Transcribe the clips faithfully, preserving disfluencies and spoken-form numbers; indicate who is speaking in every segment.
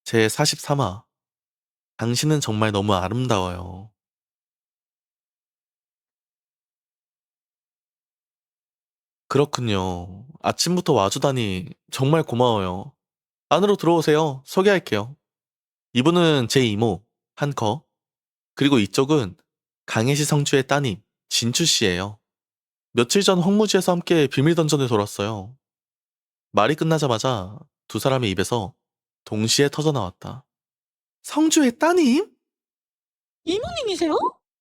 Speaker 1: 제사십삼 화. 당신은 정말 너무 아름다워요. 그렇군요. 아침부터 와주다니 정말 고마워요. 안으로 들어오세요. 소개할게요. 이분은 제 이모, 한커. 그리고 이쪽은 강해시 성주의 따님, 진추 씨예요. 며칠 전 황무지에서 함께 비밀 던전을 돌았어요. 말이 끝나자마자 두 사람의 입에서 동시에 터져 나왔다. 성주의 따님?
Speaker 2: 이모님이세요?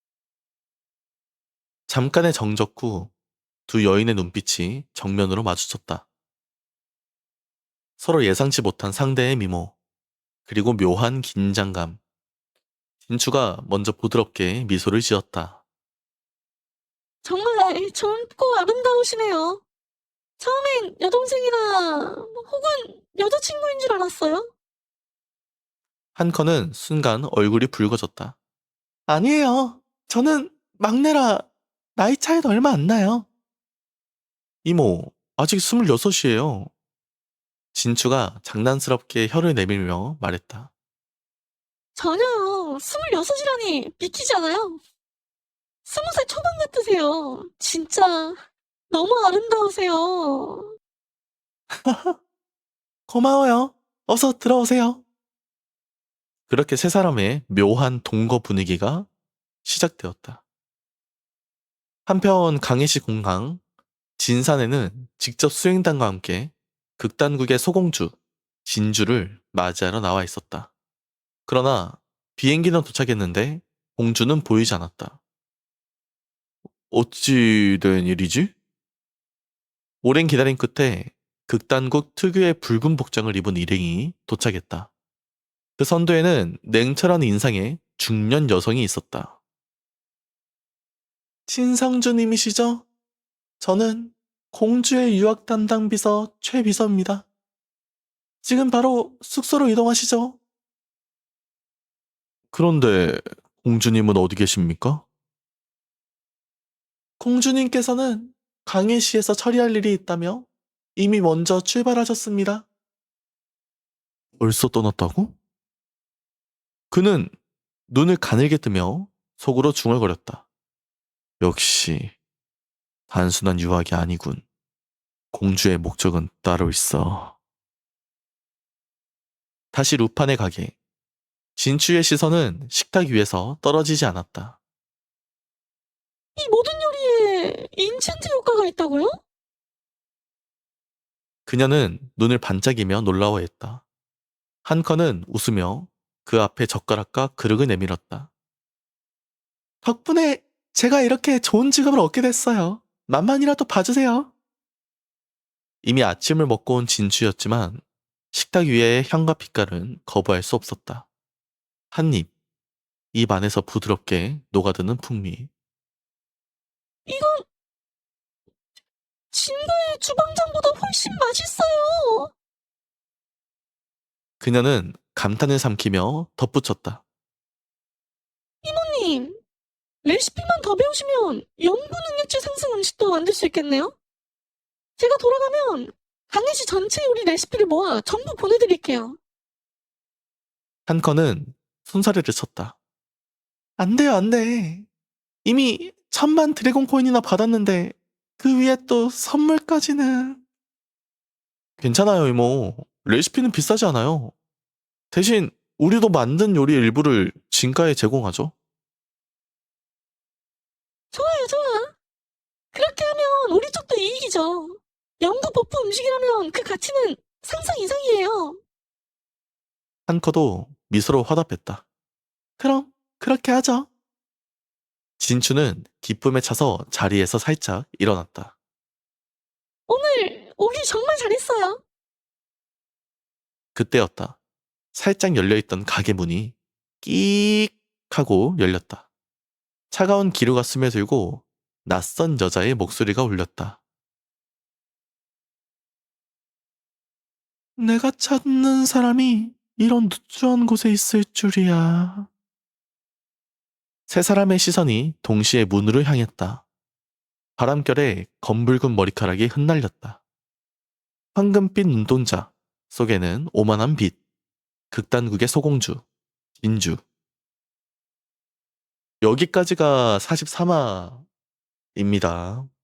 Speaker 1: 잠깐의 정적 후 두 여인의 눈빛이 정면으로 마주쳤다. 서로 예상치 못한 상대의 미모, 그리고 묘한 긴장감. 진추가 먼저 부드럽게 미소를 지었다.
Speaker 2: 정말 젊고 아름다우시네요. 처음엔 여동생이나 혹은 여자친구인 줄 알았어요.
Speaker 1: 한커는 순간 얼굴이 붉어졌다. 아니에요. 저는 막내라 나이 차이도 얼마 안 나요. 이모, 아직 스물여섯이에요. 진추가 장난스럽게 혀를 내밀며 말했다.
Speaker 2: 전혀요. 스물여섯이라니 믿기잖아요. 스무 살 초반 같으세요. 진짜 너무 아름다우세요.
Speaker 1: 고마워요. 어서 들어오세요. 그렇게 세 사람의 묘한 동거 분위기가 시작되었다. 한편 강해시 공항 진산에는 직접 수행단과 함께 극단국의 소공주 진주를 맞이하러 나와 있었다. 그러나 비행기는 도착했는데 공주는 보이지 않았다. 어찌 된 일이지? 오랜 기다림 끝에 극단국 특유의 붉은 복장을 입은 일행이 도착했다. 그 선두에는 냉철한 인상의 중년 여성이 있었다. 진성주님이시죠? 저는 공주의 유학 담당 비서 최 비서입니다. 지금 바로 숙소로 이동하시죠. 그런데 공주님은 어디 계십니까? 공주님께서는 강해시에서 처리할 일이 있다며 이미 먼저 출발하셨습니다. 벌써 떠났다고? 그는 눈을 가늘게 뜨며 속으로 중얼거렸다. 역시 단순한 유학이 아니군. 공주의 목적은 따로 있어. 다시 루판의 가게. 진추의 시선은 식탁 위에서 떨어지지 않았다.
Speaker 2: 이 모든 요리에 인챈트 효과가 있다고요?
Speaker 1: 그녀는 눈을 반짝이며 놀라워했다. 한커는 웃으며 그 앞에 젓가락과 그릇을 내밀었다. 덕분에 제가 이렇게 좋은 직업을 얻게 됐어요. 맛만이라도 봐주세요. 이미 아침을 먹고 온 진추였지만 식탁 위의 향과 빛깔은 거부할 수 없었다. 한 입, 입 안에서 부드럽게 녹아드는 풍미.
Speaker 2: 이건 진도의 주방장보다 훨씬 맛있어요.
Speaker 1: 그녀는 감탄을 삼키며 덧붙였다.
Speaker 2: 이모님, 레시피만 더 배우시면 연구 능력치 상승 음식도 만들 수 있겠네요? 제가 돌아가면 강해시 전체 요리 레시피를 모아 전부 보내드릴게요.
Speaker 1: 한커는 손사래를 쳤다. 안 돼요, 안 돼. 이미 천만 드래곤 코인이나 받았는데 그 위에 또 선물까지는. 괜찮아요, 이모. 레시피는 비싸지 않아요. 대신 우리도 만든 요리 일부를 진가에 제공하죠.
Speaker 2: 좋아요, 좋아. 그렇게 하면 우리 쪽도 이익이죠. 연구 버프 음식이라면 그 가치는 상상 이상이에요.
Speaker 1: 한커도 미소로 화답했다. 그럼 그렇게 하죠. 진추는 기쁨에 차서 자리에서 살짝 일어났다.
Speaker 2: 오늘 오길 정말 잘했어요.
Speaker 1: 그때였다. 살짝 열려있던 가게 문이 끼익 하고 열렸다. 차가운 기류가 스며들고 낯선 여자의 목소리가 울렸다. 내가 찾는 사람이 이런 누추한 곳에 있을 줄이야. 세 사람의 시선이 동시에 문으로 향했다. 바람결에 검붉은 머리카락이 흩날렸다. 황금빛 눈동자 속에는 오만한 빛, 극단국의 소공주, 진주. 여기까지가 사십삼 화입니다.